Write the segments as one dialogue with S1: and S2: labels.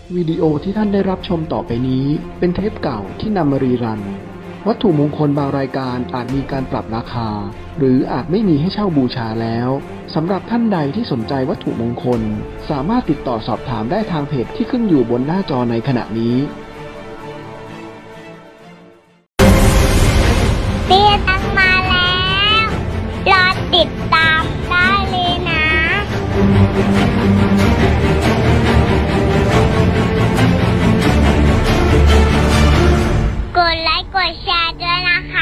S1: วิดีโอที่ท่านได้รับชมต่อไปนี้เป็นเทปเก่าที่นำมารีรันวัตถุมงคลบางรายการอาจมีการปรับราคาหรืออาจไม่มีให้เช่าบูชาแล้วสำหรับท่านใดที่สนใจวัตถุมงคลสามารถติดต่อสอบถามได้ทางเพจที่ขึ้นอยู่บนหน้าจอในขณะนี้
S2: เตี้ยตังมาแล้วรอติดตามได้เลยนะกดไลค์กดแชร์ด้วยนะคะ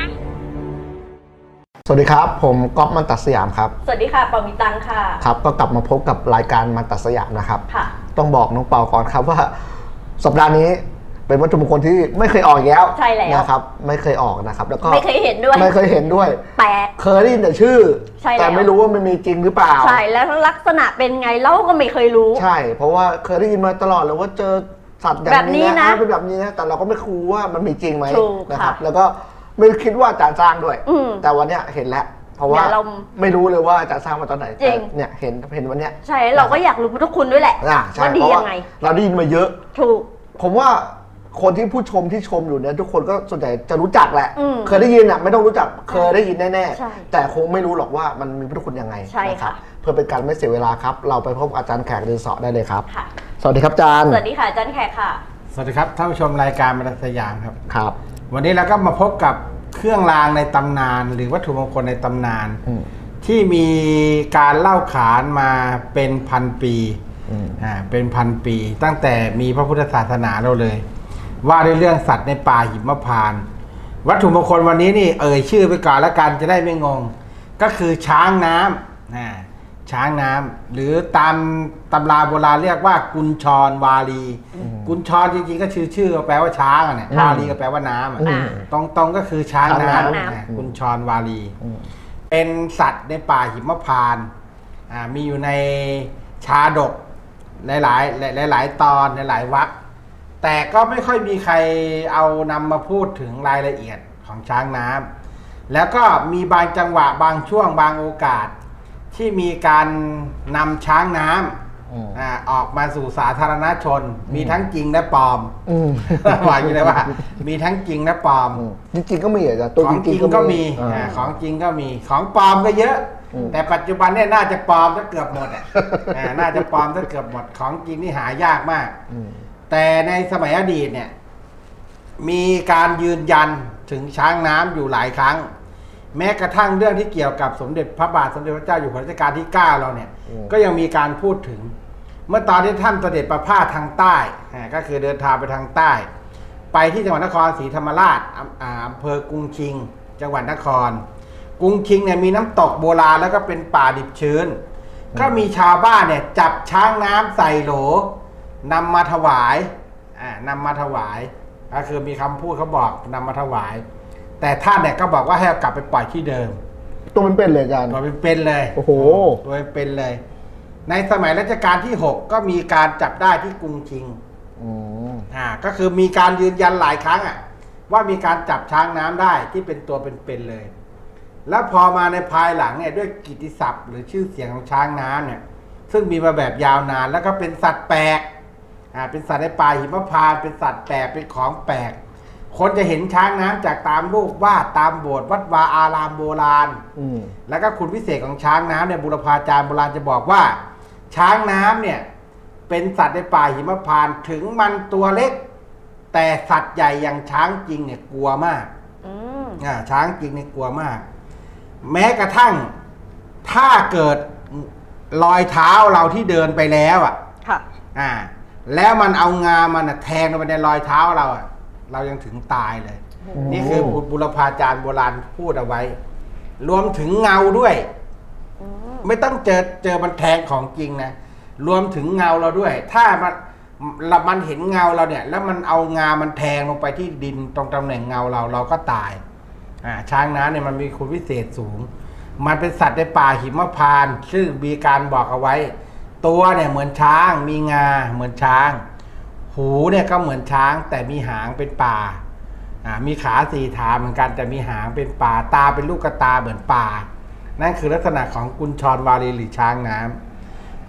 S3: สวัสดีครับผมก๊อฟมันตัดสยามครับ
S4: สวัสดีค่ะปอมิตังค่ะ
S3: ครับก็กลับมาพบกับรายการมันตัดสยามนะครับ
S4: ค่ะ
S3: ต้องบอกน้องเปาก่อนครับว่าสัปดาห์นี้เป็นวัตถุมงคลที่ไม่เคยออกอีกแล้ว
S4: ใช่แล้ว
S3: นะครับไม่เคยออกนะครับแล้วก็
S4: ไม่เคยเห็นด้วย
S3: ไม่เคยเห็นด้วย
S4: แปลก
S3: เคยได้ยินแต่ชื่อ
S4: ใช่แล้ว
S3: แต่ไม่รู้ว่ามันมีจริงหรือเปล่า
S4: ใช่แล้วลักษณะเป็นไงเราก็ไม่เคยรู้
S3: ใช่เพราะว่าเคยได้ยินมาตลอดเลยว่าเจอสัตว์อย่างนี้
S4: แบบนี้นะ
S3: เป็นแบบนี้นะแต่เราก็ไม่รู้ว่ามันมีจริงไหม
S4: ถูก
S3: นะครับ
S4: ค่ะ
S3: แล้วก็ไม่คิดว่าจะสร้างด้วย แต่วันเนี้ยเห็นแล้วเพราะว่า
S4: เดี๋ยวเรา
S3: ไม่รู้เลยว่าจะสร้างมาตอนไหน
S4: จริง
S3: แต่เนี่ยเห็นวันเนี้ย
S4: ใช่เราก็อยากรู้ทุกคุณด้วยแหละ
S3: ใช่
S4: ว่าดี
S3: เพราะ
S4: ยั
S3: ว่าง
S4: ไง
S3: เราได้ยินมาเยอะ
S4: ถูก
S3: ผมว่าคนที่ผู้ชมที่ชมอยู่เนี่ยทุกคนก็ส่วนใหญ่จะรู้จักแหละ
S4: อืม
S3: เคยได้ยินอ่ะไม่ต้องรู้จักเคยได้ยินแน่
S4: ใช่
S3: ๆแต่คงไม่รู้หรอกว่ามันมีพุทธคุณยังไง
S4: ใช่
S3: นะครั
S4: ค่ะ
S3: บเพื่อเป็นการไม่เสียเวลาครับ เราไปพบอาจารย์แขกเดินเสาะได้เลยครับ
S4: ค่ะ
S3: สวัสดีครับอาจารย์
S4: สวัสดีค่ะอาจันแขกค่ะ
S5: สวัสดีครับท่านผู้ชมรายการบรรทัดสยามครับ
S3: ครับ
S5: วันนี้เราก็มาพบกับเครื่องรางในตำนาน หรือวัตถุมงคลในตำนาน
S3: อืม
S5: ที่มีการเล่าขานมาเป็นพันปี
S3: อืม
S5: เป็นพันปี ตั้งแต่มีพระพุทธศาสนาเราเลย ว่าด้วยเรื่องสัตว์ในป่าหิมพานต์วัตถุมงคลวันนี้นี่ชื่อไปก่อนแล้วกันจะได้ไม่งง ก็คือช้างน้ำช้างน้ำหรือตามตำราโบราณเรียกว่ากุญชรวาลีกุญชรจริงๆก็ชื่อก็แปลว่าช้างอ่ะเนี่ยวาลีก็แปลว่าน้ำอ่ะ
S4: อืม
S5: ตรงๆก็คือช้างน้
S3: ช้างน้ำ
S5: ำกุญชรวาลี เป็นสัตว์ในป่าหิมพานต์มีอยู่ในชาดกหลายตอนหลายๆวรรคแต่ก็ไม่ค่อยมีใครเอานำมาพูดถึงรายละเอียดของช้างน้ำแล้วก็มีบางจังหวะบางช่วงบางโอกาส ที่มีการนำช้างน้ำออกมาสู่สาธารณชน มีทั้งจริงและปลอม ว่าอยู่เลยว่า มีทั้งจริงและปลอม
S3: จริงๆก็มีอาจารย์ตัว
S5: ของจริงก็มีของจริงก็มีของปลอมก็เยอะ แต่ปัจจุบันเนี่ยน่าจะปลอมซะเกือบหมดน่าจะปลอมซะเกือบหมดของจริงนี่หายากมาก แต่ในสมัยอดีตเนี่ยมีการยืนยันถึงช้างน้ำอยู่หลายครั้ง แม้กระทั่งเรื่องที่เกี่ยวกับสมเด็จพระบาทสมเด็จพระเจ้าอยู่หัวรัชกาลที่ 9เราเนี่ยก็ยังมีการพูดถึง เมื่อตอนที่ท่านเสด็จประพาสทางใต้ก็คือเดินทางไปทางใต้ ไปที่จังหวัดนครศรีธรรมราชอำเภอกรุงชิง จังหวัดนครกรุงชิงเนี่ยมีน้ำตกโบราณแล้วก็เป็นป่าดิบชื้น ก็มีชาวบ้านเนี่ยจับช้างน้ำใส่โหลนำมาถวายนำมาถวายก็คือมีคำพูดเขาบอกนำมาถวาย แต่ท่านเนี่ยก็บอกว่าให้เอากลับไปปล่อยที่เดิม
S3: ตัวมันเป็นเลยอาจารย์
S5: ตัวเป็นเลย
S3: โอ้โห
S5: ตัวเป็นเลย ในสมัยรัชกาลที่ 6 ก็มีการจับได้ที่กรุงชิง
S3: อืม
S5: ก็คือมีการยืนยันหลายครั้งว่ามีการจับช้างน้ำได้ที่เป็นตัวเป็นเลย แล้วพอมาในภายหลังเนี่ยด้วยกิตติศัพท์หรือชื่อเสียงของช้างน้ำเนี่ยซึ่งมีมาแบบยาวนานแล้วก็เป็นสัตว์แปลกเป็นสัตว์ในป่าหิมพานต์เป็นสัตว์แปลกเป็นของแปลกคนจะเห็นช้างน้ำจากตามรูปวาดตามโบสถ์วัดวาอารามโบราณ แล้วก็คุณวิเศษของช้างน้ำเนี่ยบุรพาจารย์โบราณจะบอกว่า ช้างน้ำเนี่ยเป็นสัตว์ในป่าหิมพานต์ถึงมันตัวเล็ก แต่สัตว์ใหญ่อย่างช้างจริงเนี่ยกลัวมากช้างจริงเนี่ยกลัวมาก แม้กระทั่งถ้าเกิดรอยเท้าเราที่เดินไปแล้วแล้วมันเอางามันแทงลงไปในรอยเท้าเราเรายังถึงตายเลย นี่คือบุรพาจารย์โบราณพูดเอาไว้ รวมถึงเงาด้วย ไม่ต้องเจอมันแทงของจริงนะรวมถึงเงาเราด้วย ถ้ามันเห็นเงาเราเนี่ย แล้วมันเอางามันแทงลงไปที่ดินตรงตำแหน่งเงาเราก็ตายช้างน้ำเนี่ยมันมีคุณวิเศษสูง มันเป็นสัตว์ในป่าหิมพานต์ซึ่งมีการบอกเอาไว้ ตัวเนี่ยเหมือนช้างมีงาเหมือนช้าง หูเนี่ยก็เหมือนช้างแต่มีหางเป็นป่ามีขาสี่ขาเหมือนกันแต่มีหางเป็นป่าตาเป็นลูกกระตาเหมือนป่านั่นคือลักษณะของกุญชรวาลีหรือช้างน้ำ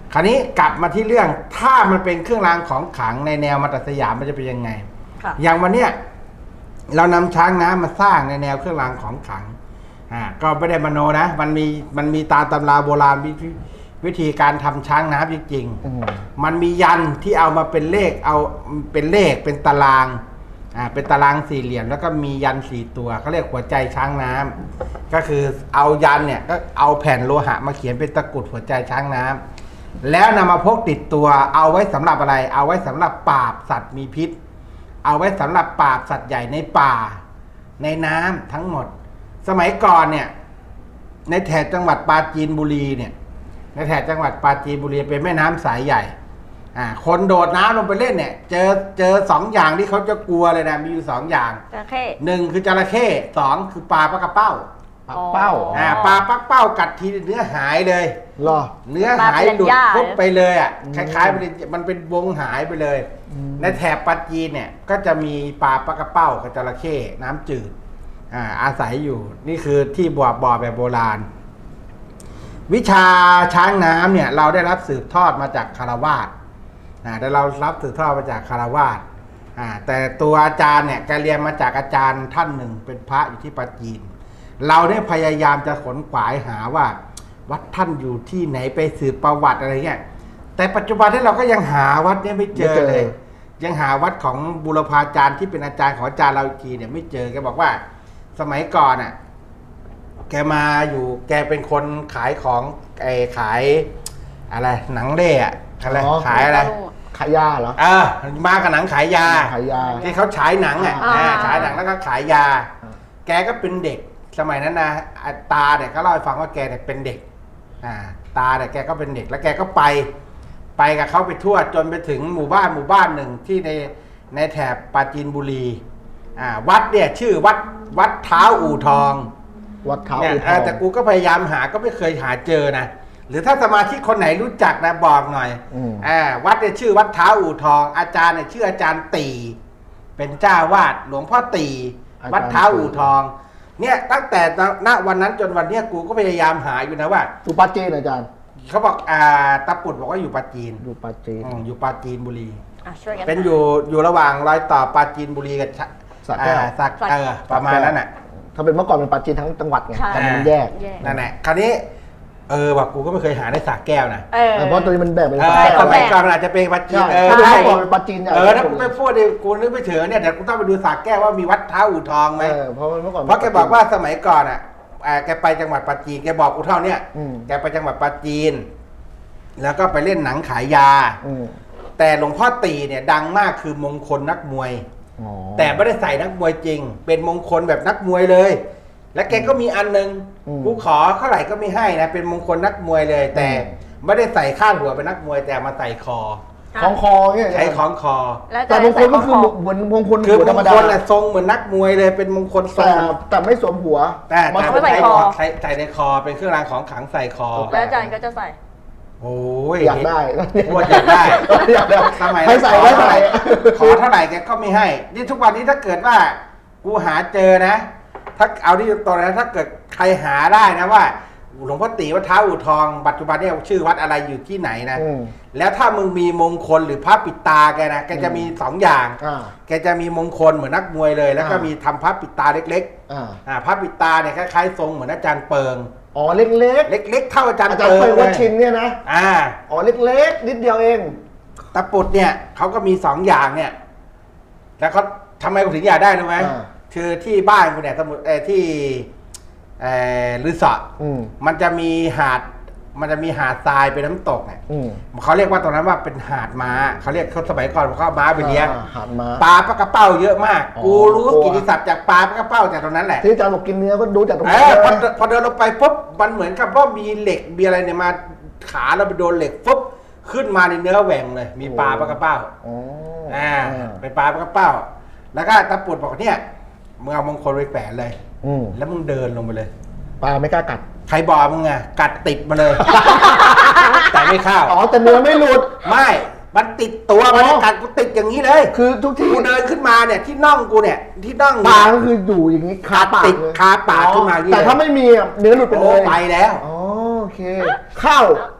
S5: คราวนี้กลับมาที่เรื่องถ้ามันเป็นเครื่องรางของขลังในแนวมาตรสยามมันจะเป็นยังไง
S4: ค่ะ
S5: อย่างวันเนี้ยเรานำช้างน้ำมาสร้างในแนวเครื่องรางของขลังก็ไม่ได้มโนนะมันมีตามตำราโบราณวิธีการทำช้างน้ำจริงๆมันมียันที่เอามาเป็นเลขเป็นตารางเป็นตารางสี่เหลี่ยมแล้วก็มียัน4ตัวเขาเรียกหัวใจช้างน้ำก็คือเอายันเนี่ยก็เอาแผ่นโลหะมาเขียนเป็นตะกรุดหัวใจช้างน้ำแล้วนำมาพกติดตัวเอาไว้สำหรับอะไรเอาไว้สำหรับปราบสัตว์มีพิษเอาไว้สำหรับปราบสัตว์ใหญ่ในป่าในน้ำทั้งหมดสมัยก่อนเนี่ยในแถบจังหวัดปราจีนบุรีเนี่ยในแถบจังหวัดปราจีนบุรีเป็นแม่น้ำสายใหญ่คนโดดน้ำลงไปเล่นเนี่ยเจอ2อย่างที่เขาจะกลัวเลยนะมีอยู่2อย่าง
S4: จระเข้
S5: 1คือจระเข้2คือปลาปลากระเป้า
S3: ปักเป้า
S5: ปลาปักเป้ากัดทีเนื้อหายเลย
S3: เหรอ
S5: เนื้อหายหลุดปุ๊บไปเลยคล้ายๆมันเป็นวงหายไปเลย ในแถบปาจีนเนี่ยก็จะมีปลาปลากระเป้ากับจระเข้น้ำจืดอาศัยอยู่นี่คือที่บ่อแบบโบราณ วิชาช้างน้ำเนี่ยเราได้รับสืบทอดมาจากคารวาสได้เรารับสืบทอดมาจากคารวาสแต่ตัวอาจารย์เนี่ยแกเรียนมาจากอาจารย์ท่านหนึ่งเป็นพระอยู่ที่ปาจีนเราได้พยายามจะขนขวายหาว่าวัดท่านอยู่ที่ไหนไปสืบประวัติอะไรเงี้ยแต่ปัจจุบันที่เราก็ยังหาวัดเนี่ยไม่เจอเลยยังหาวัดของบูรพาจารย์ที่เป็นอาจารย์ของอาจารย์เราอีกทีเนี่ยไม่เจอแกบอกว่าสมัยก่อนแกมาอยู่แกเป็นคนขายของขายอะไรหนังเล่อะไรขายอะไร
S3: ขายยาเหรอ
S5: มากับหนังขายยา
S3: ขายยา
S5: ที่เขาฉายหนังฉายหนังแล้วก็ขายยา แกก็เป็นเด็กสมัยนั้นนะตาเนี่ยก็เล่าให้ฟังว่าแกเนี่ยเป็นเด็กตาเนี่ยแกก็เป็นเด็กแล้วแกก็ไปกับเขาไปทั่วจนไปถึงหมู่บ้านหนึ่งที่ในแถบปราจีนบุรีวัดเนี่ยชื่อวัดเท้าอู่ทอง
S3: วัดเท้า
S5: เนี่ย
S3: อู่ทอง
S5: แต่กูก็พยายามหาก็ไม่เคยหาเจอนะหรือถ้าสมาชิกคนไหนรู้จักนะบอกหน่อยวัดเนี่ยชื่อวัดเท้าอู่ทอง อาจารย์เนี่ยชื่ออาจารย์ตีเป็นเจ้าวาดหลวงพ่อตีวัดเท้าอู่ทองเนี่ยตั้งแต่ณวันนั้นจนวันเนี้ยกูก็พยายามหาอยู่นะว่า
S3: อยู่ปาจีนอาจารย์
S5: เขาบอกตะปุดบอกว่าอยู่ปราจีน
S3: อยู่ปาจีน
S5: อยู่ปราจีนบุรี
S4: ช่วยกัน
S5: เป็นอยู่ระหว่างรอยต่อปราจีนบุรีกับ
S3: สระแก้ว
S5: สักประมาณนั้นน่ะ
S3: ถ้าเป็นเมื่อก่อนเป็นปาจีนทั้งจังหวัดไง
S4: ใช่
S3: แต่มันแยก
S5: นั่นแหละคราวนี้ว่ากูก็ไม่เคยหาในสระแก้วนะ
S3: เพราะตัวนี้มันแบ่งเป็น
S5: ส
S3: สระแก้ว
S5: มัยก่อนมันอาจจะเป็นปราจีน
S3: ใช่ถ้าเป็นเมื่อก่อนเป็นปาจีนใหญ่
S5: ถ้ากูไม่พูดดิกูนึกไม่ถึงเนี่ยเดี๋ยวกูต้องไปดูสระแก้วว่ามีวัดเท้าอู่ทองไหม
S3: เพราะเมื่อก่อน
S5: เพราะแกบอกว่าสมัยก่อนแกไปจังหวัดปราจีนแกบอกกูเท่าเนี้ย แกไปจังหวัดปราจีนแล้วก็ไปเล่นหนังขายยาแต่หลวงพ่อตีเนี่ยดังมากคือมงคลนักมวย แต่ไม่ได้ใส่นักมวยจริงเป็นมงคลแบบนักมวยเลย และแกก็มีอันนึงกูขอเท่าไหร่ก็ไม่ให้นะเป็นมงคลนักมวยเลย แต่ไม่ได้ใส่ข้างหัวเป็นนักมวยแต่มาใส่คอ
S3: ของคอเนี่ย
S5: ใช้ของคอ
S3: แต่มงคลก็คือเหมือนมงคล
S5: คือ
S3: หัว
S5: ม
S3: ธรง รม
S5: ค
S3: ดา
S5: ลทรงเหมือนนักมวยเลยเป็นมงคลทรง
S3: แต่ไม่สวมหัว
S5: แต่
S3: มัน
S5: ใส่คอใส่ในคอเป็นเครื่องรางของขลังใส่คอ
S4: แล้วอาจารย์ก็จะใส่
S5: โอ้ย
S3: อยากได้
S5: พูดอยากได้
S3: อยากได้
S5: สมัย
S3: ให้ใส่ไว้ใส่
S5: ขอเท่าไหร่แกก็ไม่ให้ นี่ทุกวันนี้ถ้าเกิดว่ากูหาเจอนะ ถ้าเอาที่ตรงนั้นถ้าเกิดใครหาได้นะว่าหลวงพ่อตีวัดเท้าอู่ทองปัจจุบันเนี่ยชื่อวัดอะไรอยู่ที่ไหนนะแล้วถ้ามึงมีมงคลหรือพระปิดตาแกนะแกจะมี2อย่างแกจะมีมงคลเหมือนนักมวยเลย แล้วก็มีทำพระปิดตาเล็กๆพระปิดตาเนี่ยคล้ายๆทรงเหมือนอาจารย์เปิง
S3: อ๋อเล็ก
S5: เล็กๆเท่าอาจารย์
S3: อาจารย์เปิงวัดชินเนี่ยนะ อ๋อเล็กนิดเดียวเอง
S5: ตะปุดเนี่ยเขาก็มี2อย่างเนี่ยแล้วเขาทำไมกูถึงอยากได้รู้ไหมคือที่บ้านกูเนี่ยสมุดที่ลือสอมันจะมีหาดทรายเป็นน้ำตกเนี่ยเขาเรียกว่าตรงนั้นว่าเป็นหาดม้าเขาเรียกเขาสมัยก่อนเขาเอาม้าไปเลี้ยง
S3: หาดม้า
S5: ปลาปลากระเป้าเยอะมากกูรู้กิตติศัพท์จากปลาปลากระเป้าจากตรงนั้นแหละ
S3: ที่อาจารย์บอกกินเนื้อก็ดูจากตรงนี้
S5: พอเดินลงไปปุ๊บมันเหมือนกับว่ามีเหล็กมีอะไรเนี่ยมาขาเราไปโดนเหล็กปุ๊บขึ้นมาในเนื้อแหว่งเลยมีปลาปลากระเป้าเป็นปลาปลากระเป้าแล้วก็ตะปุดบอกเนี่ยมึงเอามงคลไปแฝงเลยแล้วมึงเดินลงไปเลย
S3: ปลาไม่กล้ากัด
S5: ใครบอกมึงอะกัดติดมาเลย แต่ไม่เข้า
S3: อ๋อแต่เนื้อไม่หลุด
S5: ไม่มันติดตัวมันกัดกูติดอย่างนี้เลย
S3: คือทุกที่
S5: กูเดินขึ้นมาเนี่ยที่น่องกูเนี่ยที่น่อง
S3: ปลาก็คืออยู่อย่างนี้คาปาก
S5: ติดคาปากขึ้นมา
S3: แต่ถ้าไม่มีเนื้อหลุดไปเลย
S5: ไปแล้ว
S3: อ๋อโอเคข้าว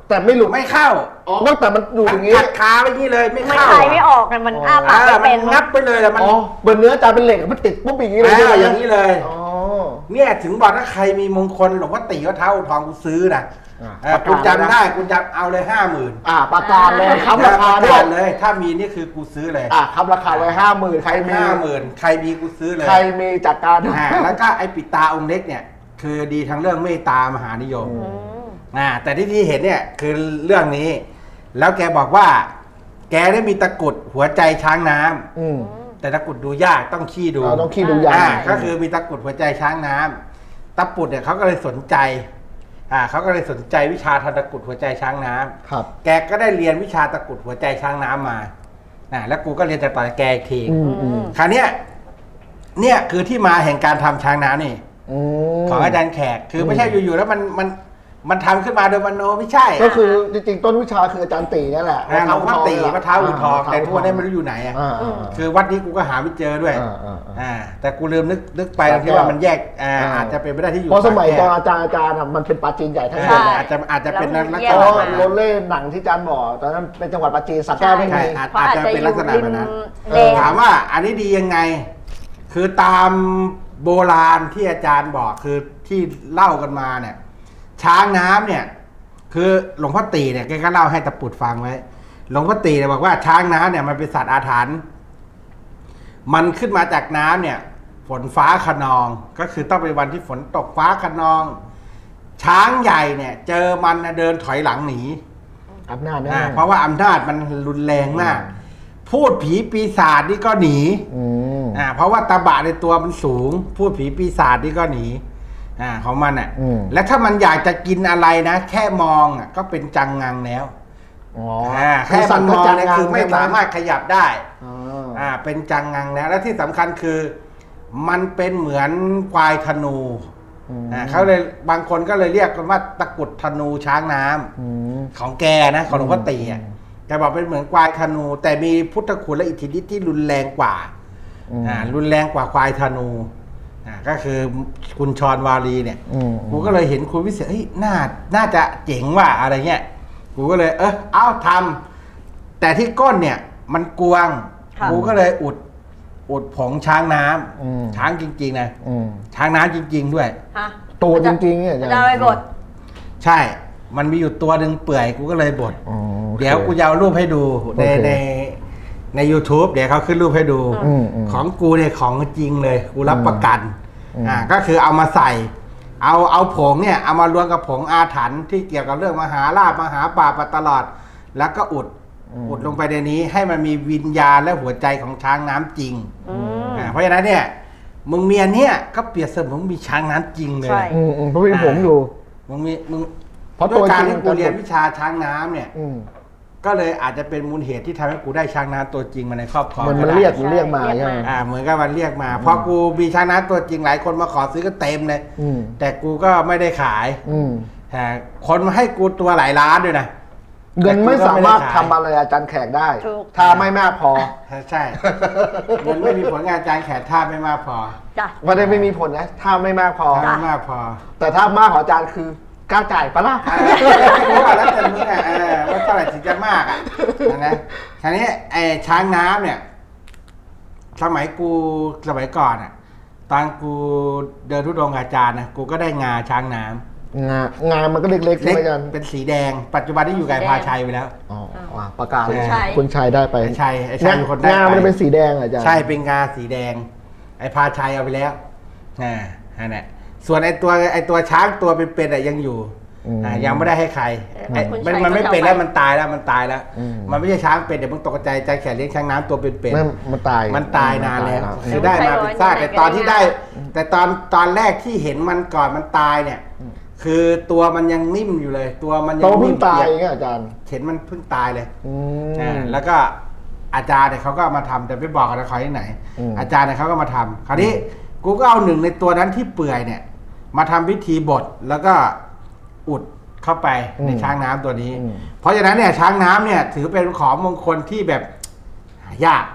S3: แต่ไม่หลุด
S5: ไม่เข้า
S3: อ๋อแต่มันอยู่อย่างนี้
S5: กัดขาไปอย่างนี้เลยไม่
S4: ไม่
S5: เข้า
S4: คายไม่ออกเนี่ยมันอ้าปาก
S5: มั
S4: ไม่เป็น
S5: นงับไปเลยแหละมัน
S3: อ๋อเหมือนเนื้ออาจารย์เป็นเหล็กมันติดปุ๊บอย่างนี้เลย
S5: อย่างนี้เลย
S3: อ๋อ
S5: เนี่ยถึงบอกถ้าใครมีมงคลหลวงพ่อตีวัดเท้าทองกูซื้อนะ
S3: ประ
S5: กู
S3: กาศ
S5: จำได้กูจำเอาเลย50,000
S3: ประกาศเลยค้ำราคาด้
S5: ด้
S3: ว
S5: วย ยเลย ถ้ามีนี่คือกูซื้อเลย
S3: ค้ำราคาไว้50,000ใครมี
S5: 50,000ใครมีกูซื้อเลย
S3: ใครมีจัดการ
S5: แล้วก็ไอ้ปิดตาองค์เล็กเนี่ยคือดีทั้งเรื่องเมตตามหานิยมแต่ที่เห็นเนี่ยคือเรื่องนี้ แล้วแกบอกว่า แกได้มีตะกรุดหัวใจช้างน้ำแต่ตะกรุดดูยากต้องขี้ดู
S3: ต้องขี้ดูยาก
S5: ก็คือมีตะกรุดหัวใจช้างน้ำตะปุดเนี่ยเขาก็เลยสนใจเขาก็เลยสนใจวิชาทำตะกรุดหัวใจช้างน้ำ
S3: ครับ
S5: แกก็ได้เรียนวิชาตะกรุดหัวใจช้างน้ำมาแล้วกูก็เรียนจากต่อจากแกอีกทีคราวเนี้ยเนี่ยคือที่มาแห่งการทำช้างน้ำนี่ของอาจารย์แขกคือไม่ใช่อยู่ๆแล้วมันทำขึ้นมาโดยมโนไม่ใช่
S3: ก็คือจริงๆต้นวิชาคืออาจารย์ตีนั่นแหละ
S5: หลวงพ่อตีพระเท้าอู่ทองแต่ทุกวันนี้ไม่รู้อยู่ไหนคือวัดนี้กูก็หาไม่เจอด้วยแต่กูลืมนึกไปที่ว่ามันแยกอาจจะเป็นไม่ได้ที่อยู่
S3: เพราะสมัยตอนอาจารย์มันเป็นปาจีนใหญ่ทั้งหมด
S5: อาจจะเป็นลักษ
S3: เพ
S5: ณะ
S3: ราะ
S5: แบบ
S3: โร
S5: นั้น
S3: เล่หนังที่อาจารย์บอกตอนนั้นเป็นจังหวัดปาจีนสักแก้วไม่มี
S5: อาจจะเป็นลักษณะแบบนั้น
S4: แดง
S5: ถามว่าอันนี้ดียังไง คือตามโบราณที่อาจารย์บอกคือที่เล่ากันมาเนี่ย ช้างน้ำเนี่ย คือหลวงพ่อตีเนี่ยแกก็เล่าให้ตะปุดฟังไว้หลวงพ่อตีเนี่ยบอกว่าช้างน้ำเนี่ยมันเป็นสัตว์อาถรรพ์มันขึ้นมาจากน้ำเนี่ย ฝนฟ้าคะนองก็คือต้องเป็นวันที่ฝนตกฟ้าคะนอง ช้างใหญ่เนี่ย เจอมันเดินถอยหลังหนี
S3: อำนาจแน่
S5: เพราะว่าอำนาจมันรุนแรงมาก พูดผีปีศาจนี่ก็หนีเพราะว่าตาบะในตัวมันสูง พูดผีปีศาจนี่ก็หนีของมันและถ้ามันอยากจะกินอะไรนะแค่มองก็เป็นจังงังแล้วแค่มันมองเนี่ยคือไม่สามารถขยับได้เป็นจังงังแล้วและที่สำคัญคือมันเป็นเหมือนควายธนูเขาเลยบางคนก็เลยเรียกกันว่าตะกรุดธนูช้างน้ำของแกนะของหลวงพ่อตีแกบอกเป็นเหมือนควายธนู แต่มีพุทธคุณและอิทธิฤทธิ์ที่รุนแรงกว่ารุนแรงกว่าควายธนูก็คือคุณชรวารีเนี่ยกูก็เลยเห็นคุณวิเศษน่าจะเจ๋งว่าอะไรเงี้ยกูก็เลยเอาทำแต่ที่ก้นเนี่ยมันกวงกูก็เลยอุดผงช้างน้ำช้างจริงๆนะช้างน้ำจริงๆด้วย
S3: ตัวจริงๆเนี่ย
S4: จะไปบด
S5: ใช่ มันมีอยู่ตัวหนึ่งเปื่อยกูก็เลยบดเดี๋ยวกูจะเอารูปให้ดูใน YouTube เดี๋ยวเขาขึ้นรูปให้ดูของกูเนี่ยของจริงเลยกูรับประกันก็คือเอามาใส่เอาผงเนี่ยเอามารวมกับผงอาถรรพ์ที่เกี่ยวกับเรื่องมหาลาภมหาป่าปตลอดแล้วก็อุดลงไปในนี้ให้มันมีวิญญาณและหัวใจของช้างน้ำจริงเพราะฉะนั้นเนี่ยมึงเมียเนี่ยก็เปรียบเสมือนมีช้างน้ำจริงเลย
S3: เพราะมีผมอยู่
S5: มึง
S3: เพราะ
S5: ด้
S3: ตัว
S5: วยการ
S3: จริง
S5: ที่กูเรียนวิชาช้างน้ำเนี่ย ก็เลยอาจจะเป็นมูลเหตุที่ทำให้กูได้ช้างน้ำตัวจริงมาในครอบครอง
S3: มันเรียกมาใช่ไหม
S5: เหมือนกับมันเรียกมาพอกูมีช้างน้ำตัวจริงหลายคนมาขอซื้อก็เต็มเลยแต่กูก็ไม่ได้ขายแต่คนมาให้กูตัวหลายล้านด้วยนะ
S3: เงินไม่สามารถทำอะไรอาจารย์แขกได้ ถ้าไม่มากพอ
S5: ใช่เงินไม่มีผลงานอาจารย์แขกท่าไม่มากพอ
S3: ไม่ได้ไม่มีผลนะถ้าไม่มากพอ
S5: ถ้าไม่มากพอ
S3: แต่ถ้ามากของอาจารย์คือกล้าจ่ายปะล่ะ
S5: แล้วแต่มึงว่าเท่าไหร่ถึงจะมากนะคราวนี้ไอ้ช้างน้ำเนี่ยสมัยก่อนตอนกูเดินทุดงค์อาจารย์นะกูก็ได้งาช้างน้ำ
S3: งานมันก็เล็กๆใช่ไหมอาจารย์
S5: เป็นสีแดงปัจจุบันที่อยู่กับพาชัยไปแล้ว
S3: ประกาศเลย
S4: ใช่
S3: คุณชัยได้ไป
S5: ไอ้ชัยเป็นคนได้ไป
S3: งานมันเป็นสีแดงอาจารย์
S5: ใช่เป็นงาสีแดงไอ้พาชัยเอาไปแล้วนั่นแหละส่วนไอ้ตัวช้างตัวเป็นๆยังอยู่ยังไม่ได้ให้ใครมันไม่เป็นแล้วมันตายแล้วมันไม่ใช่ช้างเป็นเดี๋ยวมึงตกใจใจแขกเลี้ยงช้างน้ำตัวเป็นๆ
S3: มันตาย
S5: นานแล้วคือได้มาเป็นซากแต่ตอนที่ได้ แต่ตอนแรกที่เห็นมันก่อนมันตายเนี่ยคือตัวมันยังนิ่มอยู่เลย ตัวมันยังนิ่ม
S3: ตายไงอาจารย์
S5: เห็นมันเพิ่งตายเลยแล้วก็อาจารย์เนี่ยเขาก็มาทำแต่ไม่บอกกันเขาที่ไหนอาจารย์เนี่ยเขาก็มาทำคราวนี้กูก็เอาหนึ่งในตัวนั้นที่เปื่อยเนี่ยมาทำพิธีบดแล้วก็อุดเข้าไปในช้างน้ำตัวนี้เพราะฉะนั้นเนี่ยช้างน้ำเนี่ยถือเป็นของมงคลที่แบบหายาก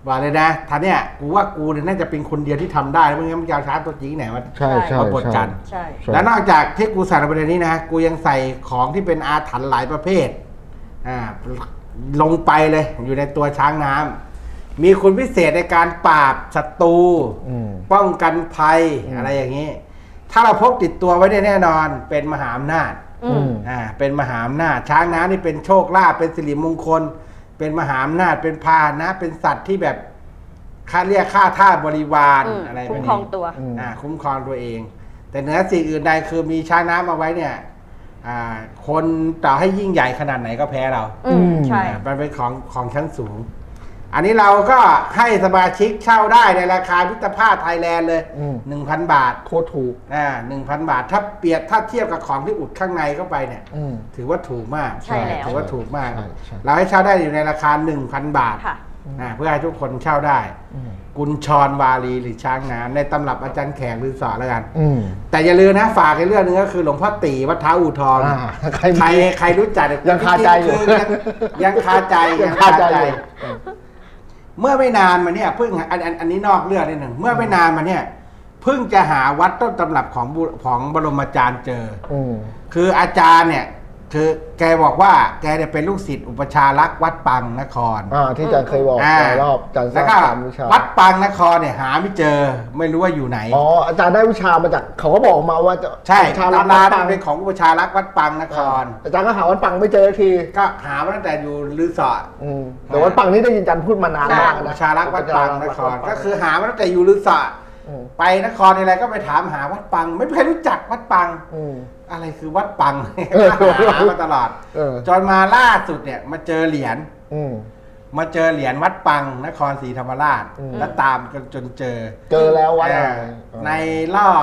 S5: บอกเลยนะท่านเนี่ยกูว่ากูเนี่ยน่าจะเป็นคนเดียวที่ทำได้ไม่งั้นมันจะเอาช้างตัวจริงไหนมา
S3: ใช่ใช่
S5: มาบดกัน
S4: ใช่
S5: แล้วนอกจากที่กูใส่ในประเด็นนี้นะกูยังใส่ของที่เป็นอาถรรพ์หลายประเภทลงไปเลยอยู่ในตัวช้างน้ำมีคุณพิเศษในการปราบศัตรูป้องกันภัยอะไรอย่างนี้ ถ้าเราพกติดตัวไว้ได้แน่นอนเป็นมหาอำนาจเป็นมหาอำนาจช้างน้ำนี่เป็นโชคลาภเป็นสิริมงคล เป็นมหาอำนาจเป็นพาหนะเป็นสัตว์ที่แบบค่าเรียกค่าท่าบริวารอะไรแบบนี้
S4: คุ้มครองตัว
S5: คุ้มครองตัวเอง แต่เหนือสิ่งอื่นใดคือมีช้างน้ำเอาไว้เนี่ยคนต่อให้ยิ่งใหญ่ขนาดไหนก็แพ้เรา
S4: ใช่
S5: มันเป็นของชั้นสูง อันนี้เราก็ให้สมาชิกเช่าได้ในราคามิตรภาพไทยแลนด์เลย 1,000 บาท
S3: โคตรถูก
S5: 1,000 บาท ถ้าเทียบกับของที่อุดข้างในเข้าไปเนี่ยถือว่าถูกมาก
S4: ใช่แล้ว
S5: ถือว่าถูกมาก
S3: ใช่ใช่
S5: เราให้เช่าได้อยู่ในราคา 1,000 บาท
S4: ค่ะ
S5: เพื่อให้ทุกคนเช่าได้ กุญชรวาลีหรือช้างน้ำในตำรับอาจารย์แขกหรือสอนแล้วกัน แต่อย่าลืมนะฝากในเรื่องนึงก็คือหลวงพ่อตีวัดท้าอู่ทอง ใครรู้จัก
S3: ยังคาใจอยู่
S5: ยังคาใจ
S3: ยังคาใจอยู่
S5: เมื่อไม่นานมาเนี่ยเพิ่งอันนี้นอกเรื่องนิดหนึ่งเมื่อไม่นานมาเนี่ยเพิ่งจะหาวัดต้นตำรับของบรมอาจารย์เจอคืออาจารย์เนี่ยคือแกบอกว่าแกเนี่ยเป็นลูกศิษย์อุปชารักษ์วัดปังนคร
S3: ที่อาจารย์เคยบอกในรอบอาจารย์ส
S5: แล้ว
S3: ร้าง
S5: ก็
S3: สามวิชา
S5: วัดปังนครเนี่ยหาไม่เจอไม่รู้ว่าอยู่ไหน
S3: อาจารย์ได้วิชามาจากเขาก็บอกมาว่าจะ
S5: ใช่
S3: วิชารัก
S5: ตำรา
S3: วัดปัง
S5: เป็นของอุปชารักษ์วัดปังนคร
S3: อาจารย์ก็หาวัดปังไม่เจอที
S5: ก็หามาตั้งแต่อยู่ลือสอด
S3: แต่วัดปังนี่ได้ยินอาจารย์พูดมานานมาก
S5: อุป
S3: นะ
S5: ชารักษ์วัดปังนครก็คือหามาตั้งแต่อยู่ลือสอดไปนครอะไรก็ไปถามหาวัดปัง ไม่มีใครรู้จักวัดปังอะไรคือวัดปังหามาตลอดจนมาล่าสุดเนี่ยมาเจอเหรียญวัดปังนครศรีธรรมราชแล้วตามกันจนเจอ
S3: แล้ววัด
S5: ในรอบ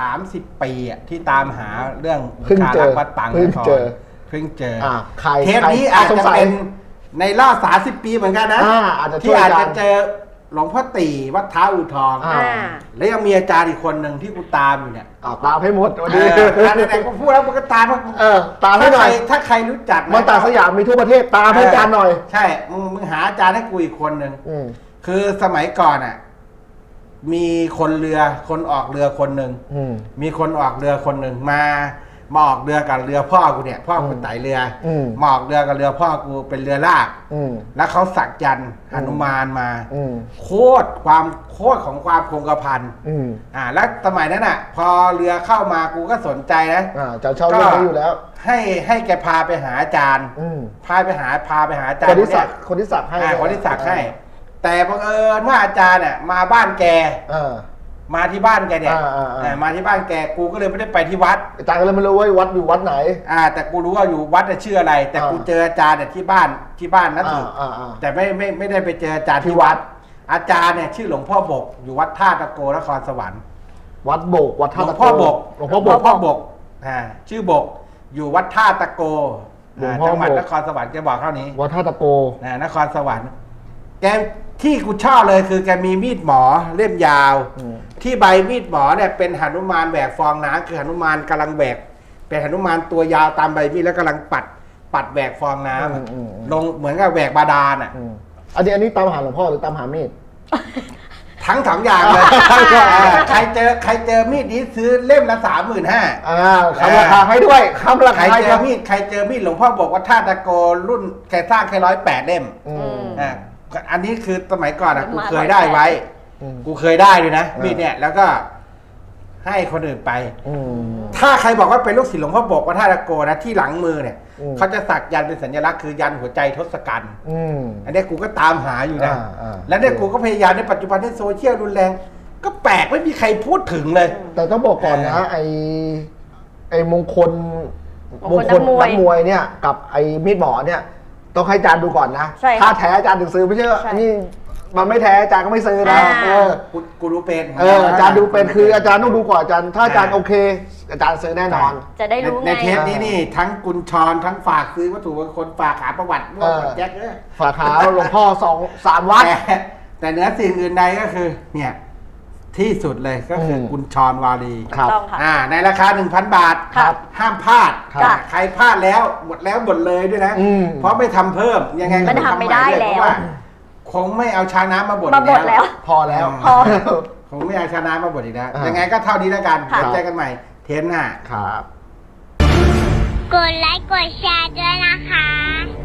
S5: 30 ปีที่ตามหาเรื่อง
S3: เพิ่งเจอ
S5: วัดปังนครเพิ่งเจอเทปนี้อาจจะเป็นในรอบ 30 ปีเหมือนกันนะที่อาจจะเจอหลวงพ่อตีวัดท้าอู่ทองแล้วยังมีอาจารย์อีกคนหนึ่งที่กูตามอยู่เนี่ย
S3: ตามให้หมดวันนี้
S5: ไหนๆก็พูดแล้วมันก็ตาม
S3: ตามให้หน่อย
S5: ถ้าใครรู้จัก
S3: มันตาสยามมีทั่วประเทศตามให้อาจารย์หน่อย
S5: ใช่มึงหาอาจารย์ให้กูอีกคนหนึ่งคือสมัยก่อนมีคนออกเรือคนหนึ่งมีคนออกเรือคนหนึ่งมาออกเรือกับเรือพ่อกูเนี่ยพ่อกูไต่เรือมาออกเรือกับเรือพ่อกูเป็นเรือลากแล้วเขาสักยันต์หนุมานมาโคตรของความคงกระพันแล้วสมัยนั้นพอเรือเข้ามากูก็สนใจนะ
S3: จะเช่าเรื่องนี้อยู่แล้ว
S5: ให้แกพาไปหาอาจารย์พาไปหาอาจารย์
S3: คนที่สักให้
S5: แต่บังเอิญว่าอาจารย์มาบ้านแกมาที่บ้านแกเนี่ยมาที่บ้านแกกูก็เลยไม่ได้ไปที่วัด
S3: อาจารย์ก็เลยไม่รู้ว่าวัดอยู่วัดไหน
S5: แต่กูรู้ว่าอยู่วัดชื่ออะไรแต่กูเจออาจารย์ที่บ้านนั่นถูกแต่ไม่ได้ไปเจออาจารย์ที่วัดอาจารย์เนี่ยชื่อหลวงพ่อบกอยู่วัดท่าตะโกนครสวรรค์
S3: วัดบกวัดท่าตะโก
S5: หลวงพ่อบกชื่อบกอยู่วัดท่าตะโกจังหวัดนครสวรรค์แกบอกเท่านี้
S3: วัดท่าตะโก
S5: นครสวรรค์แกที่กูชอบเลยคือแกมีมีดหมอเล่มยาวที่ใบมีดหมอเนี่ยเป็นหนุมานแหวกฟองน้ำคือหนุมานกำลังแหวกเป็นหนุมานตัวยาวตามใบมีดแล้วกำลังปัดแหวกฟองน้ำลงเหมือนกับแหวกบาดาล
S3: อันนี้ตามหาหลวงพ่อหรือตามหามีด
S5: ทั้งสองอย่างเลยใครเจอมีดนี้ซื้อเล่มละ35,000
S3: คำราคาให้ด้วยคำราคา
S5: ใครเจอมีดหลวงพ่อบอกว่าท่าตะโกรุ่นแกสร้างแค่108 เล่มอันนี้คือสมัยก่อนกูเคยได้ไว้กูเคยได้ด้วยนะมีดเนี่ยแล้วก็ให้คนอื่นไปถ้าใครบอกว่าเป็นลูกศิษย์หลวงพ่อบอกว่าท่าตะโกนะที่หลังมือเนี่ยเขาจะสักยันเป็นสัญลักษณ์คือยันหัวใจทศกัณฐ์อันนี้กูก็ตามหาอยู่นะแล้วเนี่ยกูก็พยายามในปัจจุบันที่โซเชียลรุนแรงก็แปลกไม่มีใครพูดถึงเลย
S3: แต่ต้องบอกก่อนนะไอ้มงคลนักมวยเนี่ยกับไอ้มีดหมอเนี่ยต้องให้อาจารย์ดูก่อนนะถ้าแท้อาจารย์ถึงซื้อไม่ใช่นี่มันไม่แท้อาจารย์ก็ไม่ซื้อนะ
S5: กูรู้เป็น
S3: อาจารย์ดูเป็นคืออาจารย์ต้องดูก่อนอาจารย์ถ้าอาจารย์โอเคอาจารย์ซื้อแน่นอน
S4: จะได้รู้ไง
S5: ในเทปนี้นี่ทั้งกุญชรทั้งฝากซื้อวัตถุมงคลฝากหาประวัติแจ็ค
S3: ฝากหาหลวงพ่อ2-3 วัด
S5: แต่เนื้อสิ่งอื่นใดก็คือเนี่ยที่สุดเลยก็คือกุญชรวาลีในราคา 1,000 บาทห้ามพลาดใครพลาดแล้วหมดเลยด้วยนะเพราะไม่ทำเพิ่มยังไง
S4: ก็ทำไม่ได้แล้ว
S5: คงไม่เอาช้างน้ำมาบด
S4: มาบดแล้ว
S3: พอแล้ว
S4: พอ
S5: คงไม่เอาช้างน้ำมาบดอีกแล้ว
S3: อ่ายั
S5: ยังไงก็เท่านี้แล้วกัน
S4: ค่ะ
S5: เดี๋ยวเจอกันใหม่เทปหน้า
S3: ครับ
S2: กดไลค์กดแชร์ด้วยนะคะ